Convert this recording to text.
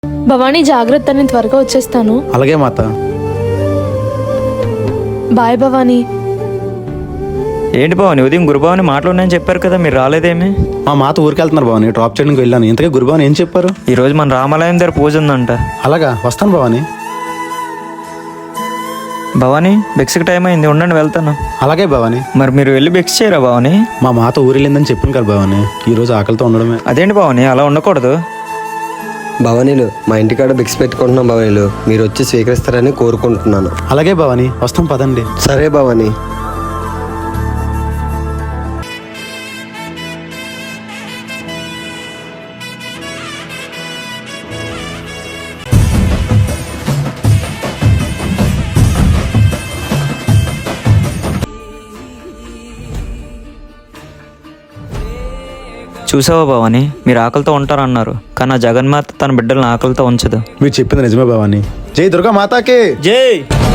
భవానీ జాగ్రత్త, నేను త్వరగా వచ్చేస్తాను. అలాగే మాత. బాయ్ భవానీ. ఏంటి భవాని, ఉదయం గురుభావని మాట్లాడినని చెప్పారు కదా, మీరు రాలేదేమి? మా మాత ఊరికి వెళ్తున్నారు భవాని, డ్రాప్ చేయడానికి వెళ్ళాను. ఇంతకీ గురుభావని ఏం చెప్పారు? ఈరోజు మన రామాలయం దగ్గర పూజ ఉందంట. అలాగా, వస్తాను భవాని. భవాని బెక్స్కి టైం అయింది, ఉండండి వెళ్తాను. అలాగే భవాని. మరి మీరు వెళ్ళి బెక్స్ చేయరా భవాని? మా మాత ఊరు వెళ్ళిందని చెప్పాను కదా భవాని, ఈ రోజు ఆకలితో ఉండడమే. అదేంటి భవాని, అలా ఉండకూడదు. భవానీలు, మా ఇంటికాడ బిక్స్ పెట్టుకుంటున్నాం భవానీలు, మీరు వచ్చి స్వీకరిస్తారని కోరుకుంటున్నాను. అలాగే భవాని, వస్తాం పదండి. సరే భవానీ. చూసావా భవాని, మీరు ఆకలితో ఉంటారన్నారు, కానీ ఆ జగన్మాత తన బిడ్డలను ఆకలితో ఉంచదు. మీరు చెప్పింది నిజమే భవాని. జై దుర్గా మాతాకి జై.